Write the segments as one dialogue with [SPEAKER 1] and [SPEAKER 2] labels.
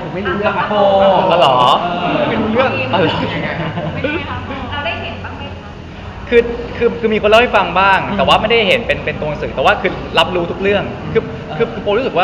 [SPEAKER 1] ผมไม่รู้เรื่องอะ
[SPEAKER 2] โอ้ก็หรอ
[SPEAKER 1] ไม่รู้เรื่อง
[SPEAKER 2] อ๋อเหรอ
[SPEAKER 3] เป็นไงคะเราได้เห็นบ้างไหมคะ
[SPEAKER 2] คือมีคนเล่าให้ฟังบ้าง แต่ว่าไม่ได้เห็นเป็นตัวหนังสือแต่ว่าคือรับรู้ทุกเรื่องคือโปรู้สึกว่า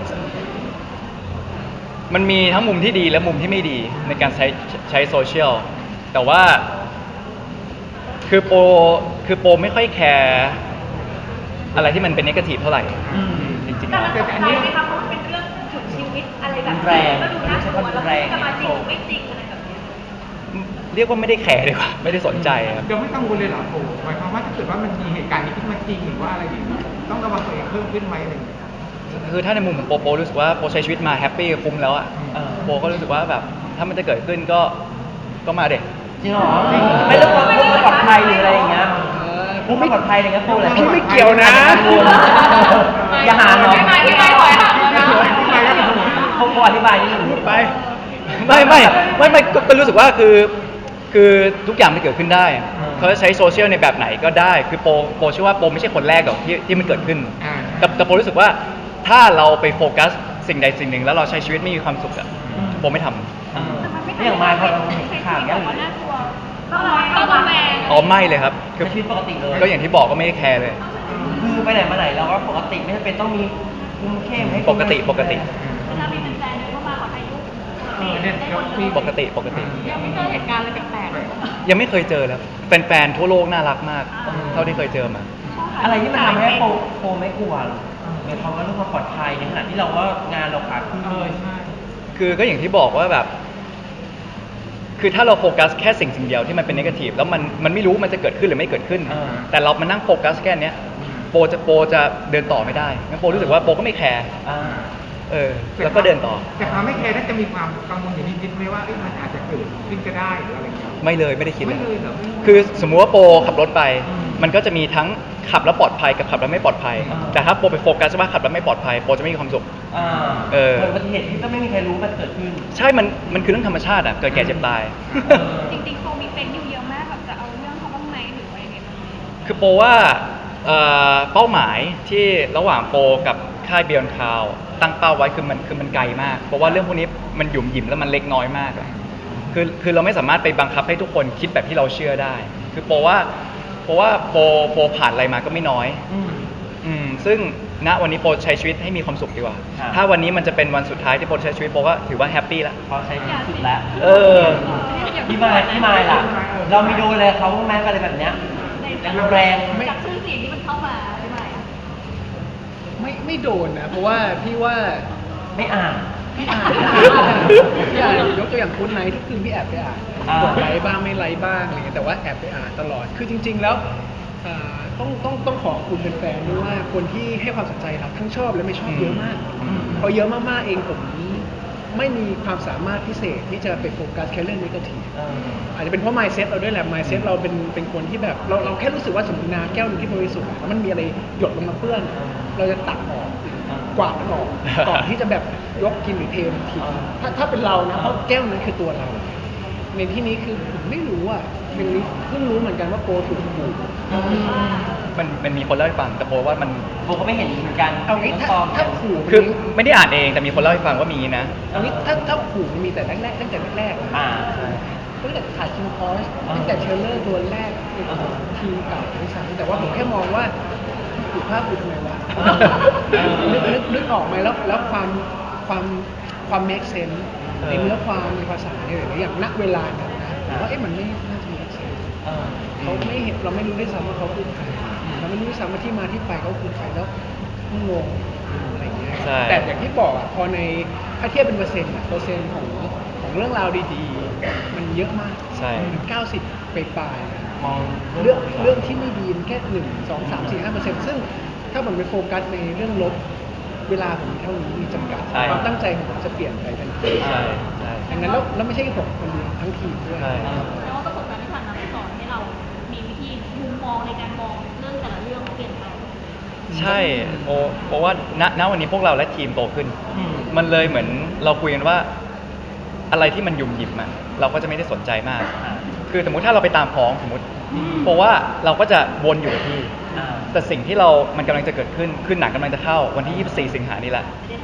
[SPEAKER 2] มันมีทั้งมุมที่ดีและมุมที่ไม่ดีในการใช้โซเชียลแต่ว่าคือโปไม่ค่อยแคร์อะไรที่มันเป็นเนกาทีฟเท่าไหร่จริงๆ
[SPEAKER 3] แต่
[SPEAKER 2] แล้ว
[SPEAKER 3] มันตกใจไหมคะเพราะมันเป็นเรื่องถึงชีวิตอะไรแบบ
[SPEAKER 1] แร
[SPEAKER 3] นี้
[SPEAKER 1] ง
[SPEAKER 3] ก็ดูน่ากลัวแล้ว
[SPEAKER 1] แรง
[SPEAKER 3] จะมาจริงหรือไม่จริงอะไรแบบนี้
[SPEAKER 2] เรียกว่าไม่ได้แคร์ดีกว่าไม่ได้สนใจครับ
[SPEAKER 4] เดี๋ยวไม่กังวลเลยเหรอโอ้หมายความว่าถ้าเกิดว่ามันมีเหตุการณ์นี้ขึ้นมาจริงหรือว่าอะไรอย่างนี้ต้องระวังตัวเองเพิ่มขึ้นไหมอะไรอย่างเงี้ย
[SPEAKER 2] คือถ้าในมุมของโปรู้สึกว่าโปใช้ชีวิตมาแฮปปี้คุ้มแล้วอ่ะโปก็รู้สึกว่าแบบถ้ามันจะเกิดขึ้นก็มาเด็ก
[SPEAKER 1] จริงเหรอไม่เรื่องความปลอดภัยหรืออะไรอย่างเงี้ยพวกไม่ปลอดภัยอะไรเงี้ยพวกอะไร
[SPEAKER 4] พี่ไม่เกี่ยวนะ
[SPEAKER 1] อย่าหาเนาะ
[SPEAKER 3] ไม่ถอยค่ะ
[SPEAKER 1] พวกอธิบายนิดนึง
[SPEAKER 2] พูดไปไม่ก็รู้สึกว่าคือทุกอย่างมันเกิดขึ้นได้เขาจะใช้โซเชียลในแบบไหนก็ได้คือโปเชื่อว่าโปไม่ใช่คนแรกหรอกที่มันเกิดขึ้นแต่โปรู้สึกว่าถ้าเราไปโฟกัสสิ่งใดสิ่งหนึ่งแล้วเราใช้ชีวิตไม่มีความสุขอะโปไม่ทำ
[SPEAKER 1] ไม่อย่างมาพอเราเห็นข่าวเนี้ย
[SPEAKER 3] ต้องระแวง
[SPEAKER 2] อ๋อไม่เลยครับ
[SPEAKER 1] คือชีวิตปกติเลย
[SPEAKER 2] ก็อย่างที่บอกก็ไม่ได้แคร์เลย
[SPEAKER 1] คือไปไหนมาไหนเราก็ปกติไม่จำเป็นต้องมีคุมเข้มให้
[SPEAKER 2] ปกติ
[SPEAKER 3] เวลามีแฟนๆเข้ามาขอถ่ายรูปได้หมดเลย
[SPEAKER 2] ปกติ
[SPEAKER 3] ยังไม่เจอเหตุการณ์อะไรแปลก
[SPEAKER 2] ยังไม่เคยเจอแล้วแฟนๆทั่วโลกน่ารักมาก เท่าที่เคยเจอมา
[SPEAKER 3] ๆ
[SPEAKER 1] อะไรที่มันทำให้โปไม่กลัวหรอหมายความว่าเรื่องความปลอดภัยในขณะที่เราว่างานเราขาขึ้น
[SPEAKER 2] คือก็อย่างที่บอกว่าแบบ คือถ้าเราโฟกัสแค่สิ่งเดียวที่มันเป็นเนกาทีฟแล้วมันไม่รู้มันจะเกิดขึ้นหรือไม่เกิดขึ้น แต่เรามานั่งโฟกัสแค่เนี้ยโปจะเดินต่อไม่ได้งั้นโปรู้สึกว่าโปก็ไม่แคร์ แล้วก็เดินต่อ
[SPEAKER 4] แต่ความไม่แคร์น่าจะมีความกังวลอยู่นิดๆไหมว่ามันอาจจะเกิดขึ้นก็ได้หรืออะไรอย่างเงี้ย
[SPEAKER 2] ไม่เลยไม่ได้คิด
[SPEAKER 4] ไม่เลยเหรอ
[SPEAKER 2] คือสมมุติว่าโปขับรถไป มันก็จะมีทั้งขับแล้วปลอดภัยกับขับแล้วไม่ปลอดภัย แต่ถ้าโปไปโฟกัสว่าขับแล้วไม่ปลอดภัยโปจะไม่มีความสุข
[SPEAKER 1] เกิดอุบัติเหตุที่ก็ไม่มีใครรู้มันเกิดขึ้น
[SPEAKER 2] ใช่มันคือเรื่องธรรมชาติอ่ะเกิดแก่เจ็บตาย
[SPEAKER 3] จริงๆโคมีเป็นอยู่เยอะมากแบบจะเอาเรื่องเขาบ้างไหมหรือว่ายังไงบ้าง
[SPEAKER 2] คือโปว่าเป้าหมายที่ระหว่างโปกับค่าย Beyond Cloud ตั้งเป้าไว้คือมันไกลมากเพราะว่าเรื่องพวกนี้มันหยุ่มหยิมแล้วมันเล็กน้อยมากอะคือเราไม่สามารถไปบังคับให้ทุกคนคิดแบบที่เราเชื่อได้ คือโปว่าโปผ่านอะไรมาก็ไม่น้อยซึ่งณวันนี้โปใช้ชีวิตให้มีความสุขดีกว่า
[SPEAKER 1] ครับ
[SPEAKER 2] ถ้าวันนี้มันจะเป็นวันสุดท้ายที่โปใช้ชีวิตโปก็ถือว่าแฮปปี้ละ
[SPEAKER 1] พอใช้สุดแล้ว
[SPEAKER 2] เออ
[SPEAKER 1] พี่มายล่ะ เรามีโดนอะไรเขาบ้างไหมอะไรแบบเนี้ยแรง
[SPEAKER 3] จากชื่อเสียงที่มันเข้ามาใช่ไหมอะ
[SPEAKER 5] ไม่โดนนะเพราะว่าพี่ว่า
[SPEAKER 1] ไม่อ่าน
[SPEAKER 5] พี่อ่านยกตัวอย่างคุณไนท์ทุกคืนพี่แอบไปอ่าน
[SPEAKER 1] อ่าก
[SPEAKER 5] ดไลค์บ้างไม่ไลค์บ้างอะไรเงี้ยแต่ว่าแอบไปอ่านตลอดคือจริง ๆ แล้วต้องขอบคุณแฟนๆด้วยว่าคนที่ให้ความสนใจเราทั้งชอบและไม่ชอบเยอะมากพอเยอะมากๆเองผมไม่มีความสามารถพิเศษที่จะไปโฟกัสแค่เรื่องนี้ก็ที อาจจะเป็นเพราะ mindset เราด้วยแหละ mindset เราเป็นคนที่แบบเราแค่รู้สึกว่าสมมติน้ำแก้วหนึงที่บริสุทธิ์แล้วมันมีอะไรหยดลงมาเปื้อน เราจะตักออกกวาดมันออกก่อนที่จะแบบยกกินหรือเทมันทิ้งถ้าเป็นเรานะเพราะแก้วนั้นคือตัวเรา ในที่นี้คือผมไม่รู้อ่ะเพิ่งรู้เหมือนกันว่าโปรถูกขู่
[SPEAKER 2] มันมีคนเล่าให้ฟังแต่โปว่ามัน
[SPEAKER 1] โบก็ไม่เห็นเหมือนกัน
[SPEAKER 5] เอางี้ถ้าขู่
[SPEAKER 2] คือไม่ได้อ่านเองแต่มีคนเล่าให้ฟังว่ามีนะ
[SPEAKER 5] เอางี้ถ้าขู่มันมีแต่แรกๆตั้งแต่แรกๆอะ
[SPEAKER 1] ใช่
[SPEAKER 5] ตั้งแต่ถ่ายคิงคอร์สตั้งแต่เทรลเลอร์ตัวแรกทีมเก่าด้วยซ้ำแต่ว่าผมแค่มองว่าถูกภาพถูกทำไมวะนึกออกไหมแล้วความ make sense ในเนื้อความในภาษาเนี่ยอย่างณเวลานั้นนะผมว่ามันไม่น่าจะ make sense เขาไม่เห็นเราไม่รู้ด้วยซ้ำว่าเขาคือใครเราไม่รู้ด้วยซ้ำว่าที่มาที่ไปเขาคือใครแล้วงงอะไรอย่างเงี้ย
[SPEAKER 2] ใช่
[SPEAKER 5] แต่อย่างที่บอกอะพอในถ้าเทียบเป็นเปอร์เซ็นต์ของเรื่องราวดีๆ มันเยอะมาก
[SPEAKER 2] ใช่
[SPEAKER 5] มัน90 ไปปลายๆ
[SPEAKER 1] มอง
[SPEAKER 5] เรื่องที่ไม่ดีมันแค่1 2 3 4 5%ซึ่งถ้าผมไปโฟกัสในเรื่องลบเวลาผมมีเท่านี้มีจำกัด
[SPEAKER 2] ใช่
[SPEAKER 5] ความตั้งใจของผมจะเปลี่ยนไปทันที
[SPEAKER 2] ใช่ใช่
[SPEAKER 5] ดังนั้นแล้วไม่ใช่ผมคนเดียวทั้งทีมด้วย
[SPEAKER 2] ใช่
[SPEAKER 3] แล้วประสบการณ์ที่ผ่านมาสอนให้เรามีวิธีมุมมองในการมองเรื่องแต่ละเรื่องเปลี่ยนไป
[SPEAKER 2] ใช่เพราะว่าณวันนี้พวกเราและทีมโตขึ้น มันเลยเหมือนเราคุยกันว่าอะไรที่มันยุ่มหยิบมันเราก็จะไม่ได้สนใจมาก คือสมมุติถ้าเราไปตามพ้องสมมติเพราะว่าเราก็จะวนอยู่กับที่ แต่สิ่งที่มันกำลังจะเกิดขึ้นคือหนังกำลังจะเข้าวันที่ 24 สิงหานี่แหละ
[SPEAKER 3] ไม่ได้ท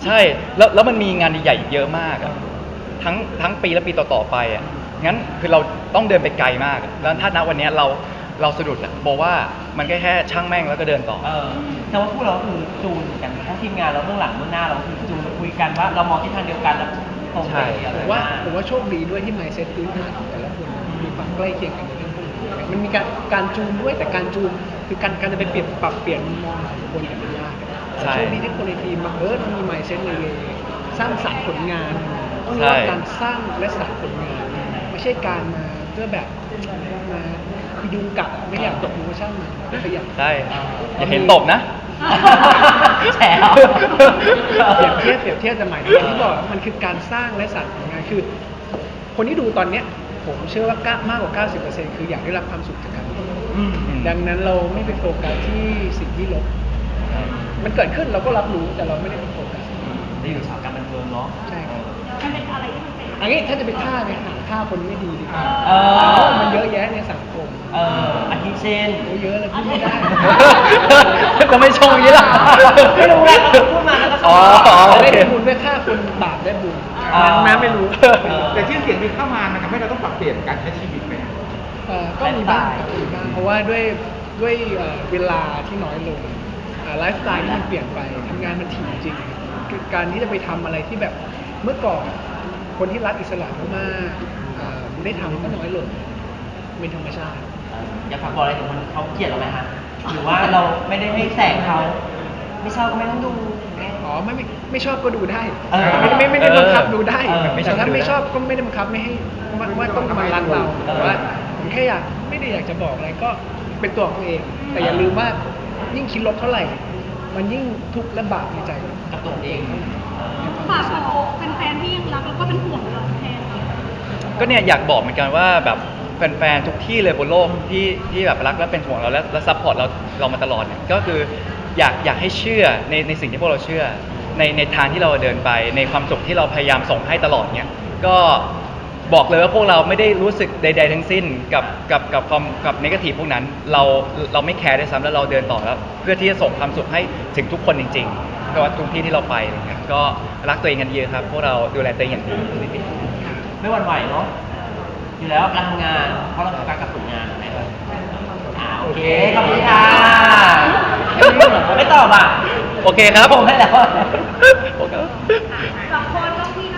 [SPEAKER 2] ใช่แล้วมันมีงานใหญ่ๆอีกเยอะมากอะทั้งปีและปีต่อๆไปอ่ะงั้นคือเราต้องเดินไปไกลมากอะแล้วถ้าณวันเนี้ยเราสะดุดอะบอกว่ามันแค่ช่างแม่งแล้วก็เดินต่อ
[SPEAKER 1] แต่ว่าพวกเราคือจูนกันทั้งทีมงานเราเบื้องหลังเบื้องหน้าเราคือจูนคุยกันว่าเรามองทิศทางเดียวกันแล้วตรงไปเดียว
[SPEAKER 5] ผ
[SPEAKER 1] เลย
[SPEAKER 5] มว่าโชคดีด้วยที่ mindset พื้นฐานของแต่ละคนมีความใกล้เคียงกันในเรื่องพวกนี้มันมีการจูนด้วยแต่การจูนคือการจะไปปรับเปลี่ยนมุมมองของคนแต่ละยาก
[SPEAKER 2] ใช่
[SPEAKER 5] โชคดีที่คนในทีมมันมี mindset ในเวสร้างสรรค์ผลงานต้อง
[SPEAKER 2] ใช่
[SPEAKER 5] เรียกว่าการสร้างและสรรค์ผลงานไม่ใช่การมาเพื่อแบบมาคือยุงกัดอะไม่อยากตกมือช่างมันก็พยายาม
[SPEAKER 2] ใช่อย่าเห็นตบนะ
[SPEAKER 1] แฉเอา
[SPEAKER 5] เปรียบเทียบแต่หมายถึงที่บอกว่ามันคือการสร้างและสรรค์ผลงานคือ คนที่ดูตอนเนี้ยผมเชื่อว่ามากกว่า 90%คืออยากได้รับความสุขจากการดู ดังนั้นเราไม่ไปโฟกัสที่สิ่งที่ลบ มันเกิดขึ้นเราก็รับรู้แต่เราไม่ได้ไปโฟกัส
[SPEAKER 1] ได้อยู่สายการบันเทิงเนาะ
[SPEAKER 5] ใช่ครับ
[SPEAKER 3] มันเป็นอะไรที่มันเป็น
[SPEAKER 5] อันนี้ถ้าจะไปฆ่าคนไม่ดีดีกว่า
[SPEAKER 1] เออ
[SPEAKER 5] มันเยอะแยะในสังคม
[SPEAKER 1] อาทิเช่น
[SPEAKER 5] โอ้เยอะเลยพูดไม่ได้
[SPEAKER 2] จะไม่ชงอย่างนี้ล่ะ
[SPEAKER 1] ไม่รู้แหละเขาพูดมาแล้วก็ช
[SPEAKER 2] อ๋
[SPEAKER 1] อ
[SPEAKER 2] อ
[SPEAKER 1] บ
[SPEAKER 5] ได้ได้บุญด้วยฆ่าคนบาปได้บุญน้ำไม่รู้
[SPEAKER 4] แต่ชื่อเสียงที่เข้ามามันทำให้เราต้องปรับเปลี่ยนการใช้ชีวิตไหม
[SPEAKER 5] ก็มีบ้างครับมีบ้างเพราะว่าด้วยเวลาที่น้อยลงไลฟ์สไตล์ที่มันเปลี่ยนไปทำงานมันถี่จริงคือการที่จะไปทำอะไรที่แบบเมื่อก่อนคนที่รักอิสระมากๆได้ทำก็น้อยลงเป็นธรรมชาติ
[SPEAKER 1] อยากฝากบอกอะไรถึงคนเขาเกลียดเราไหมฮะหรือว่าเราไม่ได้ให้แสงเขาไม่ชอบก็ไม่ต้องดู
[SPEAKER 5] อ๋อไม่ชอบก็ดูได้
[SPEAKER 1] เออ
[SPEAKER 5] ไม่ได้บังคับดูได้
[SPEAKER 1] ไม่ชอบ
[SPEAKER 5] แต่ถ้า
[SPEAKER 2] ดูได้
[SPEAKER 5] ไม่ชอบก็ไม่ได้บังคับไม่ให้ว่าต้องมารักเราแต่ว่าผมแค่ไม่ได้อยากจะบอกอะไรก็เป็นตัวของตัวเอง แต่อย่าลืมว่ายิ่งคิดลบเท่าไหร่ มันยิ่งทุกข์และบาปในใจ
[SPEAKER 1] กับตัวเอง
[SPEAKER 3] ฝากบอกแฟนๆที่ยังรักแล้วก็เป็นห่วงเราแทน
[SPEAKER 2] ก็เนี่ยอยากบอกเหมือนกันว่าแบบแฟนๆทุกที่เลยบนโลกที่แบบรักและเป็นห่วงเราและซัพพอร์ตเรามาตลอดเนี่ยก็คืออยากให้เชื่อในสิ่งที่พวกเราเชื่อในทางที่เราเดินไปในความสุขที่เราพยายามส่งให้ตลอดเนี่ยก็บอกเลยว่าพวกเราไม่ได้รู้สึกใดๆทั้งสิ้นกับความกับเนกาทีฟพวกนั้นเราไม่แคร์ด้วยซ้ำแล้วเราเดินต่อแล้วเพื่อที่จะส่งความสุขให้ถึงทุกคนจริงๆไม่ว่าทุกที่ที่เราไปอะไรเงี้ยก็รักตัวเองกันเยอะครับพวกเราดูแลตัวเองอย่างดี
[SPEAKER 1] ไม่หวั่นไหวเนาะอยู่แล้วการทำงานเพราะเราโฟกัสกับผลงานนะครับโอเคขอบคุณค่ะไม่ตอบอ่ะ
[SPEAKER 2] โอเคครับ
[SPEAKER 1] ผมให้แล้ว
[SPEAKER 2] โอเค
[SPEAKER 3] สองคนต้องพี่